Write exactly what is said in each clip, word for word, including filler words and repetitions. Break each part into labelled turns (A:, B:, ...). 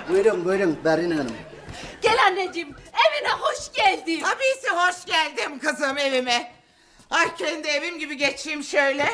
A: Buyurun buyurun Berin Hanım.
B: Gel anneciğim, evine hoş geldin.
C: Tabisi hoş geldim kızım evime. Ay kendi evim gibi geçeyim şöyle.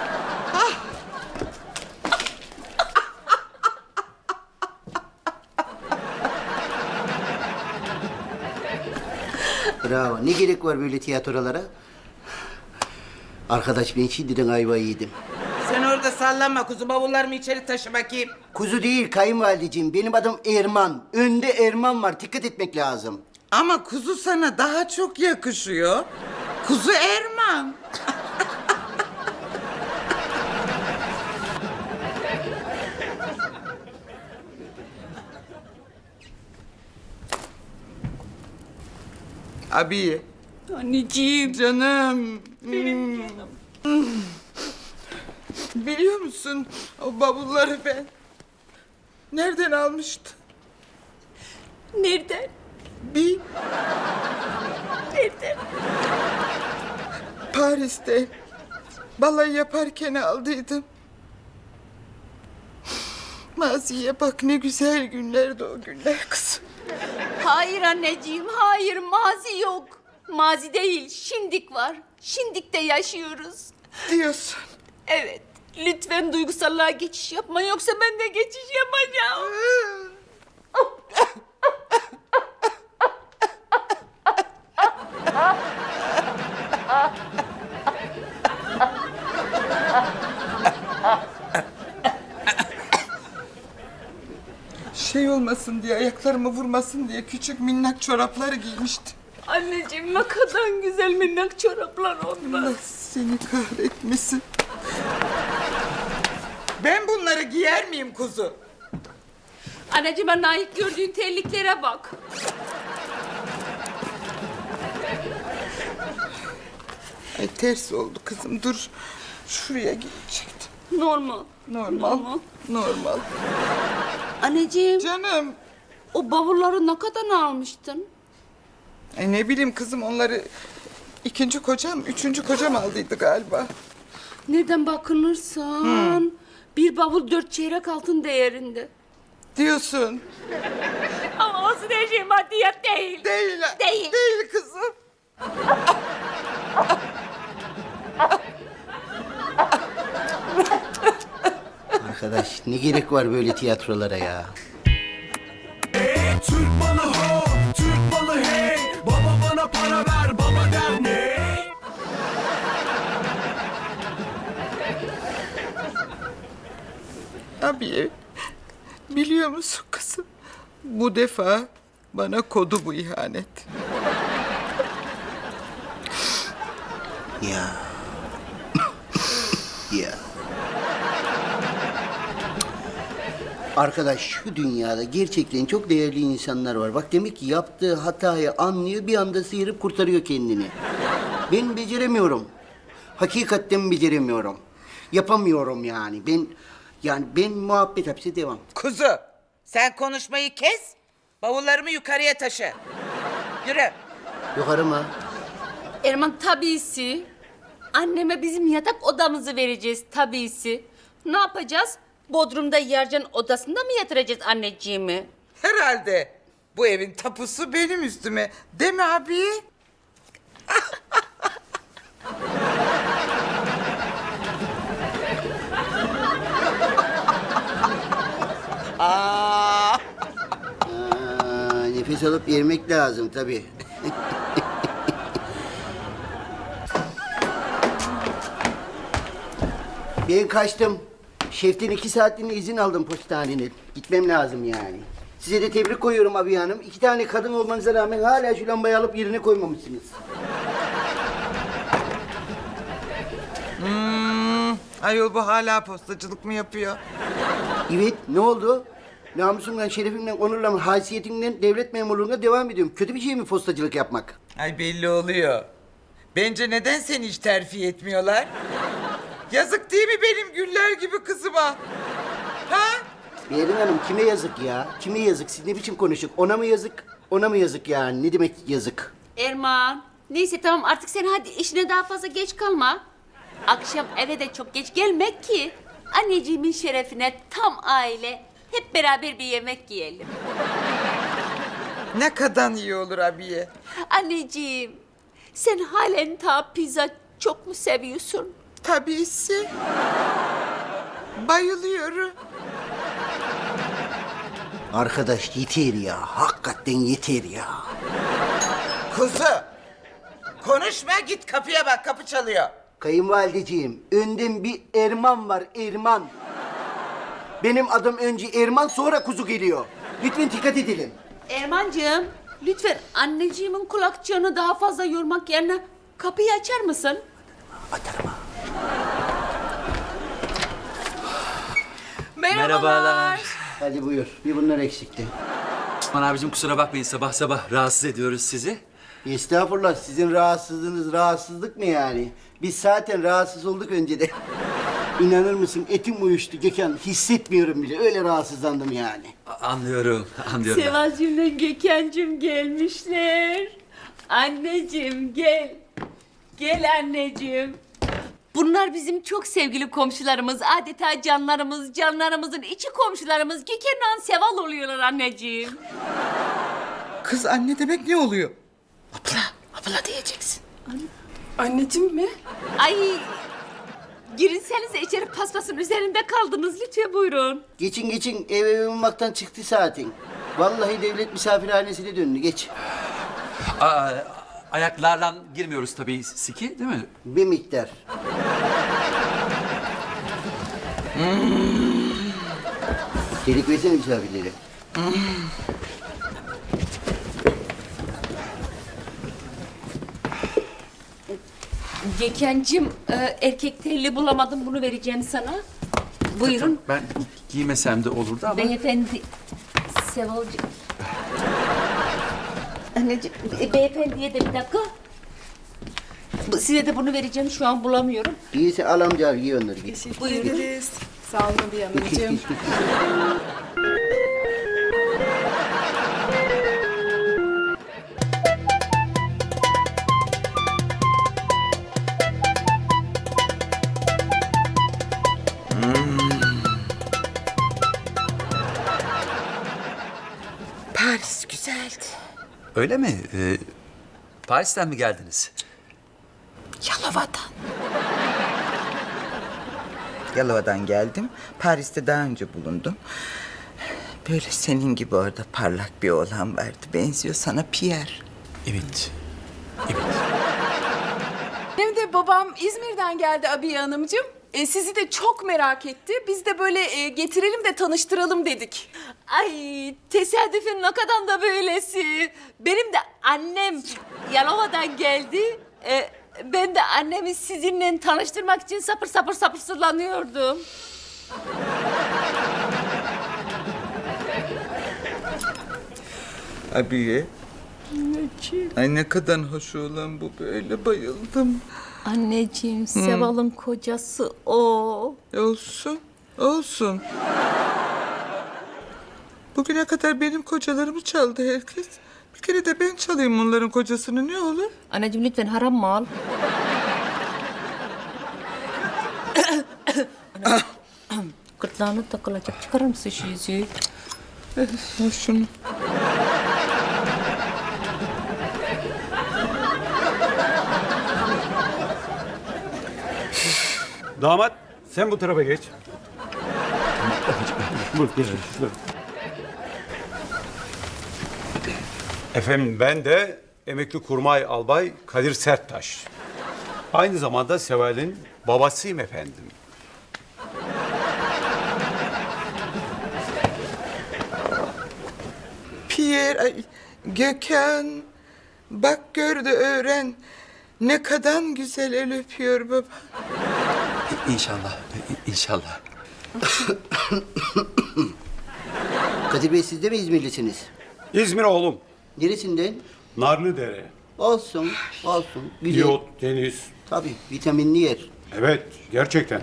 A: Bravo. Ne gerek var böyle tiyatrolara? Arkadaş ben şimdiden ayvayı yedim.
C: Sen orada sallanma kuzu, bavullarımı içeri taşı bakayım.
A: Kuzu değil kayınvalideciğim. Benim adım Erman. Önde Erman var. Dikkat etmek lazım.
C: Ama kuzu sana daha çok yakışıyor. Kuzu Erman. Abi.
B: Anneciğim.
C: Canım. Benim canım. Biliyor musun o bavulları ben nereden almıştım?
B: Nereden?
C: Bir
B: Nereden?
C: Paris'te balayı yaparken aldıydım. Maziye bak ne güzel günlerdi o günler kızım.
B: Hayır anneciğim, hayır. Mazi yok. Mazi değil, şimdik var. Şimdikte yaşıyoruz.
C: Diyorsun.
B: Evet, lütfen duygusallığa geçiş yapma. Yoksa ben de geçiş yapacağım.
C: Şey olmasın diye, ayaklarımı vurmasın diye küçük minnak çoraplar giymiştim.
B: Anneciğim ne kadar güzel minnak çoraplar onlar.
C: Allah seni kahretmesin. Ben bunları giyer miyim kuzu?
B: Anneciğime layık gördüğün terliklere bak.
C: Ay ters oldu kızım, dur. Şuraya gidecektim.
B: Normal.
C: Normal.
B: Normal.
C: Normal.
B: Anneciğim,
C: Canım.
B: o bavulları ne kadar almıştın?
C: Ay ne bileyim kızım, onları ikinci kocam, üçüncü kocam aldıydı galiba.
B: Nereden bakılırsan bir bavul dört çeyrek altın değerinde.
C: Diyorsun.
B: Ama olsun her şey maddiyat değil.
C: Değil.
B: Değil.
C: Değil kızım.
A: Arkadaş ne gerek var böyle tiyatrolara ya?
D: Türk malı ho, Türk malı hey. Baba bana para ver, baba der ne?
C: Abi, biliyor musun kızım? Bu defa bana kodu bu ihanet.
A: Ya. Ya. Arkadaş şu dünyada gerçekten çok değerli insanlar var. Bak demek ki yaptığı hatayı anlıyor, bir anda sıyırıp kurtarıyor kendini. Ben beceremiyorum. Hakikaten beceremiyorum. Yapamıyorum yani. Ben yani ben muhabbet hapse devam.
C: Kuzu, sen konuşmayı kes, bavullarımı yukarıya taşı. Yürü.
A: Yukarı mı?
B: Erman tabisi. Anneme bizim yatak odamızı vereceğiz tabisi. Ne yapacağız? Bodrum'da Yercan odasında mı yatıracağız anneciğimi?
C: Herhalde bu evin tapusu benim üstüme. Değil mi abi? Aa.
A: Aa, nefes alıp vermek lazım tabii. Ben kaçtım. Şeften iki saatliğine izin aldım postaneden. Gitmem lazım yani. Size de tebrik koyuyorum abi hanım. İki tane kadın olmanıza rağmen hala şu lambayı alıp yerine koymamışsınız.
C: Hmm, ayol bu hala postacılık mı yapıyor?
A: Evet, ne oldu? Namusumdan, şerefimden, onurla, haysiyetimden devlet memurluğuna devam ediyorum. Kötü bir şey mi postacılık yapmak?
C: Ay belli oluyor. Bence neden seni hiç terfi etmiyorlar? Yazık değil mi benim güller gibi kızıma? Ha?
A: Berin Hanım kime yazık ya? Kime yazık? Siz ne biçim konuştuk? Ona mı yazık? Ona mı yazık yani? Ne demek yazık?
B: Erman, neyse tamam artık sen hadi işine daha fazla geç kalma. Akşam eve de çok geç gelmek ki anneciğimin şerefine tam aile hep beraber bir yemek yiyelim.
C: Ne kadar iyi olur abiye.
B: Anneciğim, sen halen ta pizza çok mu seviyorsun?
C: Tabisi. Bayılıyorum.
A: Arkadaş yeter ya. Hakikaten yeter ya.
C: Kuzu. Konuşma, git kapıya bak, kapı çalıyor.
A: Kayınvalideciğim, önden bir Erman var, Erman. Benim adım önce Erman, sonra kuzu geliyor. Lütfen dikkat edelim.
B: Ermancığım, lütfen anneciğimin kulakçığını daha fazla yormak yerine kapıyı açar mısın?
A: Atarım ha.
E: Merhabalar.
A: Hadi buyur, bir bunlar eksikti.
E: Aman abicim kusura bakmayın sabah sabah rahatsız ediyoruz sizi.
A: Estağfurullah, sizin rahatsızlığınız rahatsızlık mı yani? Biz zaten rahatsız olduk önceden. İnanır mısın, etim uyuştu Gökhan. Hissetmiyorum bile, öyle rahatsızlandım yani.
E: A- anlıyorum, anlıyorum.
B: Sevacığımla Gökhan'cığım gelmişler. Anneciğim gel. Gel anneciğim. Bunlar bizim çok sevgili komşularımız. Adeta canlarımız, canlarımızın içi komşularımız. Gökhan'la Seval oluyorlar anneciğim.
C: Kız anne demek ne oluyor?
B: Abla, abla diyeceksin.
F: Anneciğim mi?
B: Ay, girinsenize içeri, paspasın üzerinde kaldınız. Lütfen buyurun.
A: Geçin geçin, ev ev olmaktan çıktı zaten. Vallahi devlet misafirhanesine döndü, geç.
E: Aa, ayaklarla girmiyoruz tabii siki değil mi?
A: Bir miktar. Delik versene misafirlere.
B: Gökhan'cığım, e, erkek telli bulamadım. Bunu vereceğim sana. Buyurun.
E: Ben giymesem de olurdu ama.
B: Beyefendi, Sevalcığım. Anneciğim, e, beyefendiye de bir dakika. Bu- Size de bunu vereceğim, şu an bulamıyorum.
A: İyiyse al amca, giy onları, git.
F: Teşekkür ederiz. Sağ olun Abiye Hanımcığım.
C: Paris güzeldi.
E: Öyle mi? Ee, Paris'ten mi geldiniz?
C: Yalova'dan. Yalova'dan geldim. Paris'te daha önce bulundum. Böyle senin gibi orada parlak bir oğlan vardı. Benziyor sana, Pierre.
E: Evet. Evet.
F: Benim de babam İzmir'den geldi Abiye Hanımcığım. E, sizi de çok merak etti. Biz de böyle e, getirelim de tanıştıralım dedik.
B: Ay, tesadüfün ne kadar da böylesi. Benim de annem Yalova'dan geldi. E, ben de annemi sizinle tanıştırmak için sapır sapır sapırsızlanıyordum.
C: Abiye. Ay ne kadar hoş olan bu, böyle bayıldım.
B: Anneciğim, Seval'ın kocası o.
C: Olsun, olsun. Bugüne kadar benim kocalarımı çaldı herkes. Bir kere de ben çalayım onların kocasını, ne olur?
B: Anneciğim lütfen haram mal. Gırtlağına takılacak. Çıkarır mısın şu yüzüğü?
C: Ya şunu.
G: Damat sen bu tarafa geç. Buyur geç. Buyur. Efendim ben de emekli kurmay albay Kadir Serttaş. Aynı zamanda Seval'in babasıyım efendim.
C: Pierre, ay, Gökhan. Bak gör de öğren. Ne kadar güzel el öpüyor baba.
E: İnşallah, i- inşallah.
A: Kadir Bey, siz de mi İzmirlisiniz?
G: İzmir oğlum.
A: Neresinden?
G: Narlıdere.
A: Olsun, olsun. Güzel.
G: Yot, deniz.
A: Tabii, vitaminli yer.
G: Evet gerçekten.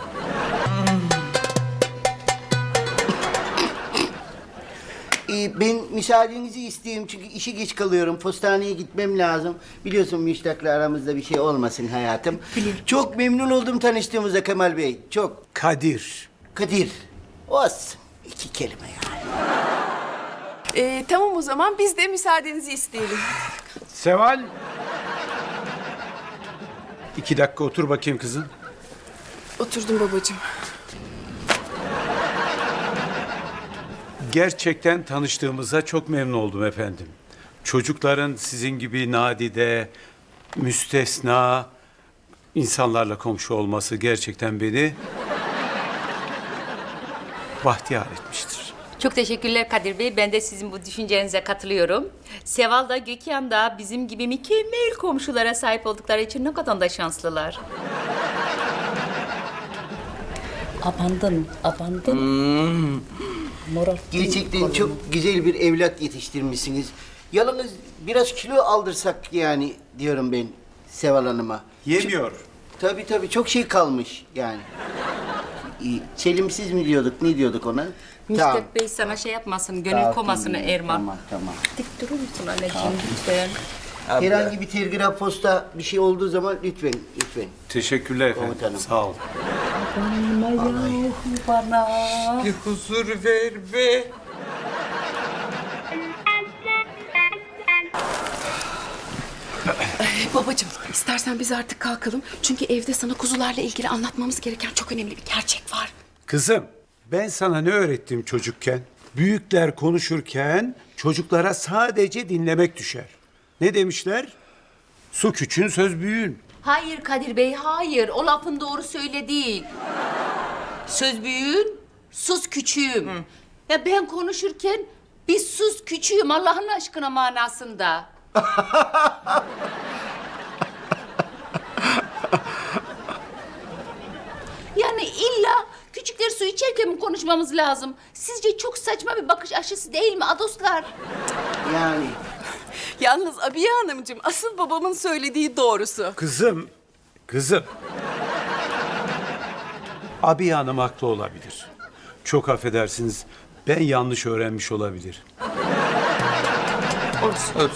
A: Ee, ben müsaadenizi isteyeyim çünkü işe geç kalıyorum. Postaneye gitmem lazım. Biliyorsun müştakla aramızda bir şey olmasın hayatım. Çok memnun oldum tanıştığımıza Kemal Bey. Çok.
G: Kadir.
A: Kadir. Olsun. İki kelime yani.
F: Ee, tamam o zaman biz de müsaadenizi isteyelim.
G: Seval. İki dakika otur bakayım kızım.
F: Oturdum babacığım.
G: Gerçekten tanıştığımıza çok memnun oldum efendim. Çocukların sizin gibi nadide, müstesna insanlarla komşu olması gerçekten beni bahtiyar etmiştir.
B: Çok teşekkürler Kadir Bey. Ben de sizin bu düşüncenize katılıyorum. Seval da Gökhan da bizim gibi mükemmel komşulara sahip oldukları için ne kadar da şanslılar. Abandın, abandın. Moral.
A: Gerçekten çok güzel bir evlat yetiştirmişsiniz. Yalnız biraz kilo aldırsak yani diyorum ben Seval Hanım'a.
G: Yemiyor.
A: Tabii tabii çok şey kalmış yani. İyi, Çelimsiz mi diyorduk, ne diyorduk ona?
B: Müstak Bey sana şey yapmasın, gönül
A: Tamam,
B: komasını
A: tamam,
B: Erman.
A: Tamam, tamam.
B: Dik durur musun anneciğim lütfen?
A: Herhangi bir telgraf, posta bir şey olduğu zaman lütfen, lütfen.
G: Teşekkürler efendim.
A: Komutanım.
G: Sağ ol.
B: Bana.
C: Bir huzur ver be.
F: Babacığım istersen biz artık kalkalım. Çünkü evde sana kuzularla ilgili anlatmamız gereken çok önemli bir gerçek var.
G: Kızım, ben sana ne öğrettim çocukken? Büyükler konuşurken çocuklara sadece dinlemek düşer. Ne demişler? Su küçüğün, söz büyüğün.
B: Hayır Kadir Bey, hayır. O lafın doğru söyle değil. Söz büyüğün, sus küçüğüm. Ya ben konuşurken bir sus küçüğüm Allah'ın aşkına manasında. Yani illa küçükler su içerken mi konuşmamız lazım? Sizce çok saçma bir bakış açısı değil mi adoslar?
A: Yani
F: Yalnız Abiye Hanımcığım asıl babamın söylediği doğrusu.
G: Kızım, kızım. Abi Hanım haklı olabilir. Çok affedersiniz, ben yanlış öğrenmiş olabilir.
C: Olsun.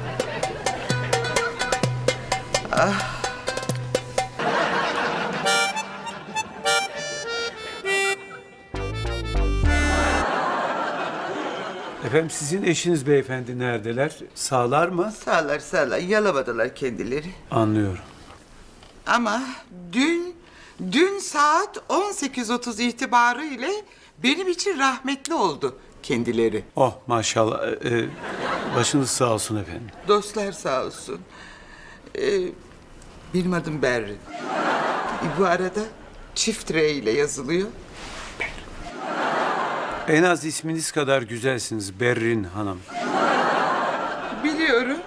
G: Efendim sizin eşiniz beyefendi neredeler? Sağlar mı?
C: Sağlar sağlar yalamadılar kendileri.
G: Anlıyorum.
C: Ama dün, dün saat on sekiz otuz itibarıyla benim için rahmetli oldu kendileri.
G: Oh maşallah. Ee, e, başınız sağ olsun efendim.
C: Dostlar sağ olsun. Ee, benim adım Berrin. E, bu arada çift R ile yazılıyor.
G: En az isminiz kadar güzelsiniz Berrin Hanım.
C: Biliyorum.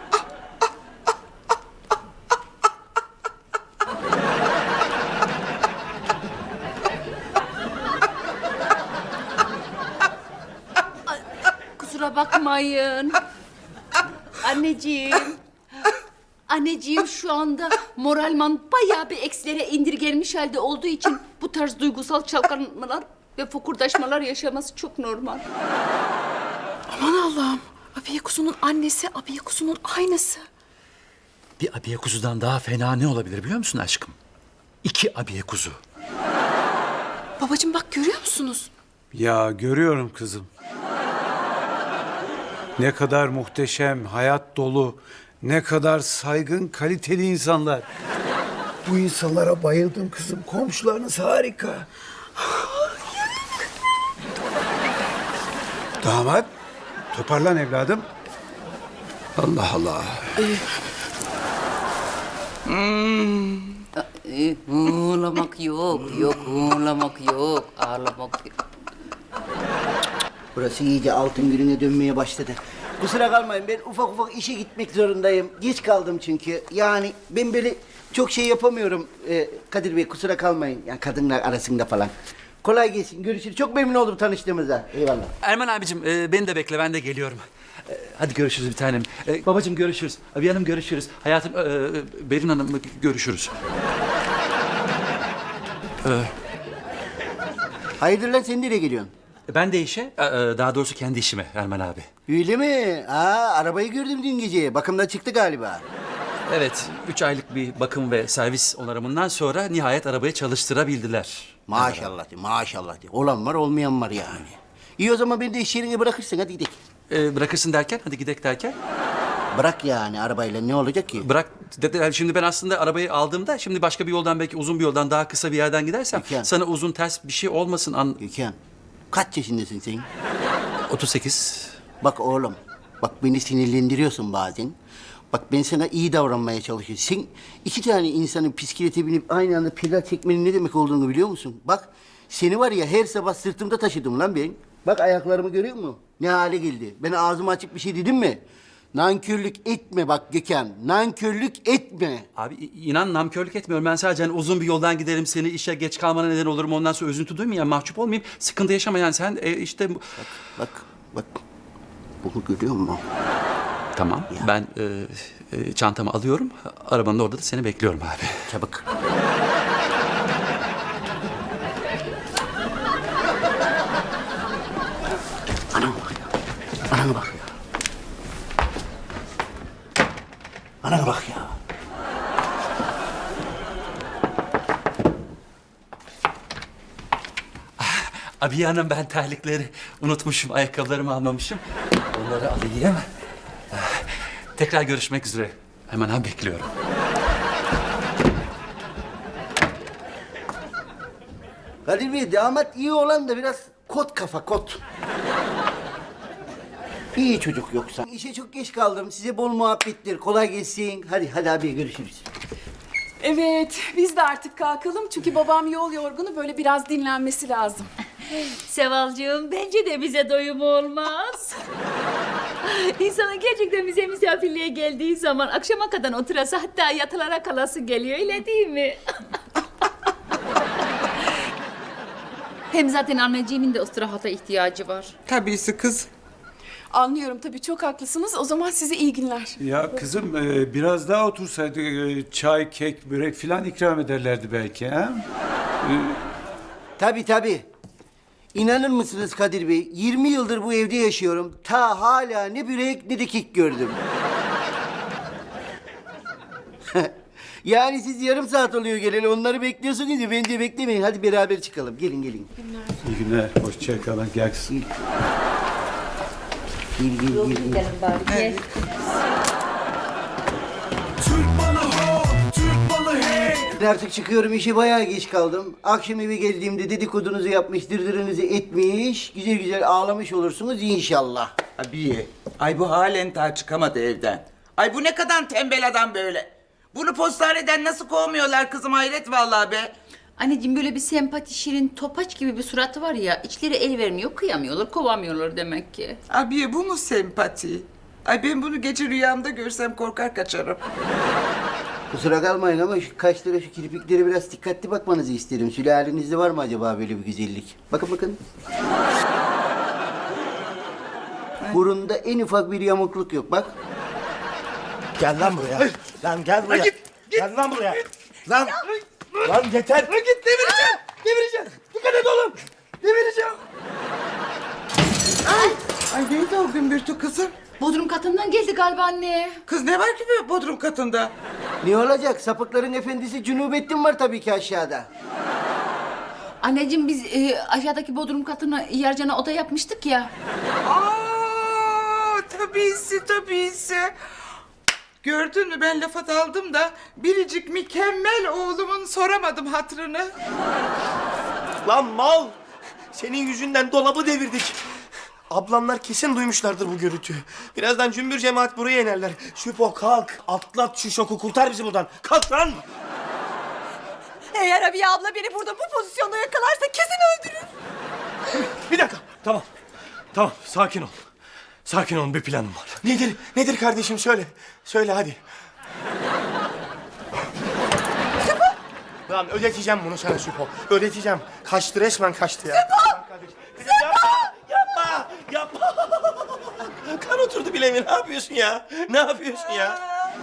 B: Kusura bakmayın. Anneciğim. Anneciğim şu anda moralman bayağı bir eksilere indirgenmiş halde olduğu için bu tarz duygusal çalkanmalar ve fokurdaşmalar yaşaması çok normal.
F: Aman Allah'ım. Abiye kuzunun annesi Abiye kuzunun aynısı.
E: Bir abiye kuzudan daha fena ne olabilir biliyor musun aşkım? İki abiye kuzu.
F: Babacığım bak görüyor musunuz?
G: Ya görüyorum kızım. Ne kadar muhteşem, hayat dolu, ne kadar saygın, kaliteli insanlar. Bu insanlara bayıldım kızım. Komşularınız harika. Damat, toparlan evladım. Allah Allah.
B: Ee, ağlamak yok, yok ağlamak yok, ağlamak yok.
A: burası iyice altın gününe dönmeye başladı. Kusura kalmayın, ben ufak ufak işe gitmek zorundayım. Geç kaldım çünkü. Yani ben böyle çok şey yapamıyorum. Ee, Kadir Bey kusura kalmayın. Yani kadınlar arasında falan. Kolay gelsin, görüşürüz. Çok memnun oldum tanıştığımıza. Eyvallah.
E: Erman abicim e, beni de bekle ben de geliyorum. E, hadi görüşürüz bir tanem. E, babacığım görüşürüz. Abi hanım görüşürüz. Hayatım e, e, Berin Hanım görüşürüz.
A: Hayırdır lan, sen nereye geliyorsun?
E: Ben de işe, e, e, daha doğrusu kendi işime Erman abi.
A: Öyle mi? Aa, arabayı gördüm dün gece. Bakımdan çıktı galiba.
E: Evet, üç aylık bir bakım ve servis onarımından sonra nihayet arabayı çalıştırabildiler.
A: Maşallah de, maşallah de. Olan var, olmayan var yani. İyi o zaman beni de iş yerine bırakırsın, hadi gidelim.
E: Ee, bırakırsın derken, hadi gidek derken.
A: Bırak yani arabayla, ne olacak ki?
E: Bırak dediler. Şimdi ben aslında arabayı aldığımda şimdi başka bir yoldan, belki uzun bir yoldan, daha kısa bir yerden gidersem
A: Peki.
E: sana uzun ters bir şey olmasın. An
A: Gökhan, kaç yaşındasın sen?
E: otuz sekiz.
A: Bak oğlum, bak beni sinirlendiriyorsun bazen. Bak ben sana iyi davranmaya çalışıyorum. Sen iki tane insanın bisiklete binip aynı anda pedal çekmenin ne demek olduğunu biliyor musun? Bak seni var ya her sabah sırtımda taşıdım lan ben. Bak ayaklarımı görüyor musun? Ne hale geldi. Ben ağzımı açıp bir şey dedim mi? Nankörlük etme bak Gökhan. Nankörlük etme.
E: Abi i- inan namkörlük etmiyorum. Ben sadece hani uzun bir yoldan giderim, seni işe geç kalmana neden olurum. Ondan sonra üzüntü duymayayım, mahcup olmayayım. Sıkıntı yaşama yani sen e, işte... bu-
A: Bak, bak. Bunu görüyor musun?
E: Tamam, ben e, e, çantamı alıyorum. Arabanın orada da seni bekliyorum abi.
A: Çabuk. Anam bak ya. Anana bak ya. Anana bak ya.
E: Abi hanım, ben terlikleri unutmuşum, ayakkabılarımı almamışım. Onları alayım. Tekrar görüşmek üzere. Hemen ha bekliyorum.
A: Kadir Bey, damat iyi olan da biraz kot kafa, kot. İyi çocuk yoksa. İşe çok geç kaldım. Size bol muhabbetler. Kolay gelsin. Hadi, hadi abi görüşürüz.
F: Evet, biz de artık kalkalım çünkü babam yol yorgunu, böyle biraz dinlenmesi lazım.
B: Sevalcığım, bence de bize doyum olmaz. İnsanın gerçekten bize misafirliğe geldiği zaman akşama kadar oturası, hatta yatılara kalası geliyor, öyle değil mi? Hem zaten anneciğimin de istirahata ihtiyacı var.
C: Tabisi kız.
F: Anlıyorum tabii, çok haklısınız. O zaman size iyi günler.
G: Ya kızım e, biraz daha otursaydı e, çay, kek, börek filan ikram ederlerdi belki ha?
A: Tabii tabii. İnanır mısınız Kadir Bey? yirmi yıldır bu evde yaşıyorum. Ta hala ne börek ne de kek gördüm. Yani siz yarım saat oluyor geleli. Onları bekliyorsunuz ya. Bence beklemeyin. Hadi beraber çıkalım. Gelin gelin.
G: İyi günler, hoşça kalın. Gel kızım.
A: Gel gel gel. gel.
B: Gel.
D: Türk balı ho, Türk balı hey.
A: Ben artık çıkıyorum. İşe bayağı geç kaldım. Akşam eve geldiğimde dedikodunuzu yapmış, dırdırınızı etmiş, güzel güzel ağlamış olursunuz inşallah.
C: Abiye, ay bu halen daha çıkamadı evden. Ay bu ne kadar tembel adam böyle. Bunu postaneden nasıl kovmuyorlar kızım, hayret vallahi be.
B: Anneciğim, böyle bir sempati, şirin, topaç gibi bir suratı var ya, içleri el vermiyor, kıyamıyorlar, kovamıyorlar demek ki.
C: Abiye bu mu sempati? Ay ben bunu gece rüyamda görsem korkar kaçarım.
A: Kusura kalmayın ama şu kaşlara, şu kirpiklere biraz dikkatli bakmanızı isterim. Sülalenizde var mı acaba böyle bir güzellik? Bakın bakın. Burunda en ufak bir yamukluk yok bak.
H: Gel lan buraya. Lan gel buraya. Gel lan buraya. Lan. Lan yeter. Lan git devireceğim. Devireceğim. Dikkat et oğlum. Devireceğim.
C: Ay neydi o gümbürtü kızım?
B: Bodrum katından geldi galiba anne.
C: Kız ne var ki böyle bodrum katında?
A: Ne olacak? Sapıkların efendisi Cunubettin var tabii ki aşağıda.
B: Anneciğim, biz e, aşağıdaki bodrum katına yercana oda yapmıştık ya.
C: Aa, tabisi tabisi. Gördün mü, ben lafa daldım da biricik mükemmel oğlumun soramadım hatırını.
H: Lan mal. Senin yüzünden dolabı devirdik. Ablamlar kesin duymuşlardır bu gürültüyü. Birazdan cümbür cemaat buraya inerler. Şüpho kalk. Atlat şu şoku, kurtar bizi buradan. Kalk lan.
F: Eğer Abiye abla beni burada bu pozisyonda yakalarsa kesin öldürür.
H: Bir dakika. Tamam. Tamam, sakin ol. Sakin olun, bir planım var. Nedir? Nedir kardeşim, söyle. Söyle hadi. Lan ödeteceğim bunu sana Süpo. Ödeteceğim. Kaçtı, resmen kaçtı ya. Süpo! Süpo! Yapma! Yapma! Kan oturdu bileğime. Ne yapıyorsun ya? Ne yapıyorsun ya?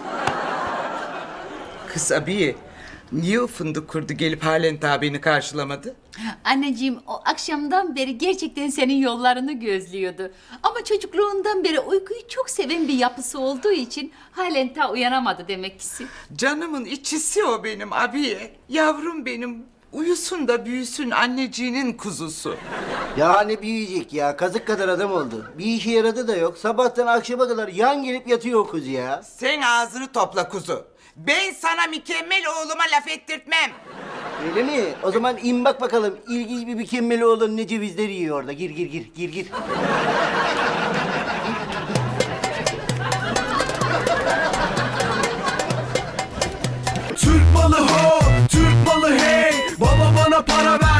C: Kız abiye, niye o fındık kurdu gelip halen daha beni karşılamadı?
B: Anneciğim, o akşamdan beri gerçekten senin yollarını gözlüyordu. Ama çocukluğundan beri uykuyu çok seven bir yapısı olduğu için halen ta uyanamadı demek ki.
C: Canımın içisi o benim abiye. Yavrum benim. Uyusun da büyüsün anneciğinin kuzusu.
A: Ya ne büyüyecek ya? Kazık kadar adam oldu. Bir işe yaradı da yok. Sabahtan akşama kadar yan gelip yatıyor o kız ya.
C: Sen ağzını topla kuzu. Ben sana mükemmel oğluma laf ettirtmem.
A: Öyle mi? O zaman in bak bakalım. İlginç bir mükemmel oğlan ne cevizler yiyor orada. Gir gir gir gir gir.
D: Türk malı ho, Türk malı hey. Baba bana para ver.